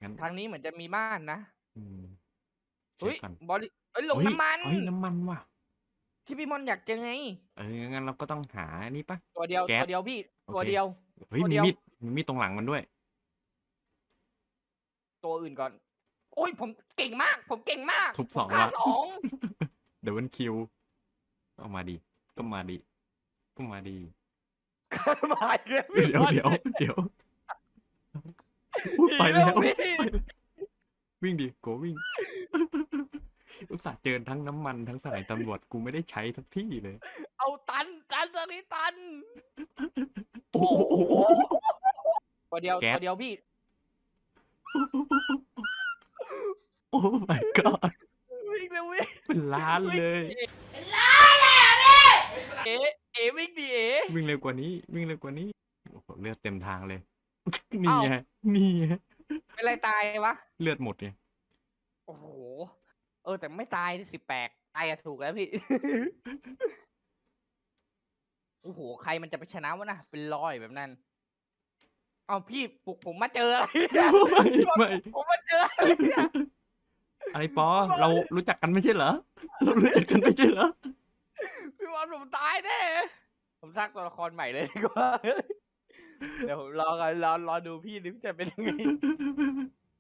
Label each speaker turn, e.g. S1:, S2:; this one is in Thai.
S1: งั้น
S2: ทางนี้เหมือนจะมีบ้านนะ
S1: อืมเช็
S2: เฮ้ย
S1: คก่อน
S2: บริเฮ้ยลง
S1: เฮ้ย
S2: น้ำมัน
S1: เฮ้ยน้ำมันว่ะ
S2: ที่พี่ม่อนอยากเจอไง
S1: งั้นเราก็ต้องหาอันนี้เปล่า
S2: ตัวเดียว
S1: แก๊ส
S2: ตัวเดียวพี่
S1: โอเค
S2: ตัวเดียว
S1: เฮ้ย
S2: ตัวเดียว
S1: มีมีดตรงหลังมันด้วย
S2: ตัวอื่นก่อนโอ๊ยผมเก่งมากผมเก่งมาก
S1: ทุบ
S2: ผมฆ่า
S1: 2ละ
S2: 2
S1: Double kill ก็มาดิก็มาดิก็มาดิ
S2: มาอีกแล้วพี่ม่อน
S1: เดี๋ยวอุ๊ย
S2: หนี
S1: ไปแล้ว
S2: แล้วพี่
S1: ไปแล้ววิ่งดิโกวิ่งอุตส่าห์เจอทั้งน้ำมันทั้งสถานีตำรวจกูไม่ได้ใช้สักที่เลย
S2: เอาตันตอนนี้ตัน
S1: โอ้
S2: โอ้
S1: โห
S2: โหตัวเดียว
S1: แก๊ส
S2: ตัวเดียวพี่
S1: โอ้ my god
S2: วิ่งเร็ววิ่ง
S1: เป็นล้าน
S2: วิ่ง
S1: เลย
S2: เอ๋เอ๋วิ่งดิเอ๋
S1: วิ่งเร็วกว่านี้วิ่งเร็วกว่านี้โอ้โหเลือดเต็มทางเลยนี่
S2: อ้าว
S1: ไงนี่ไง
S2: เป็นไรตายวะ
S1: เลือดหมดไง
S2: โอ้โหแต่ไม่ตายสิแปลกตายอะถูกแล้วพี่โอ้โหใครมันจะไปชนะวะนะเป็นร้อยแบบนั้นอ้าวพี่ปลุกผมมาเจออะไรเนี่ยพี่บอล
S1: ไม่
S2: ปลุกผมมาเจออะไรเนี่ย
S1: อะไรปอ
S2: พี่บอ
S1: เรา
S2: ล
S1: รู้จักกันไม่ใช่เหรอเรารู้จักกันไม่ใช่เหรอ
S2: พี่บอลผมตายแน่ผมสร้างตัวละครใหม่เลยดีกว่าเดี๋ยวผมรอกันรอดูพี่จะเป็นยังไง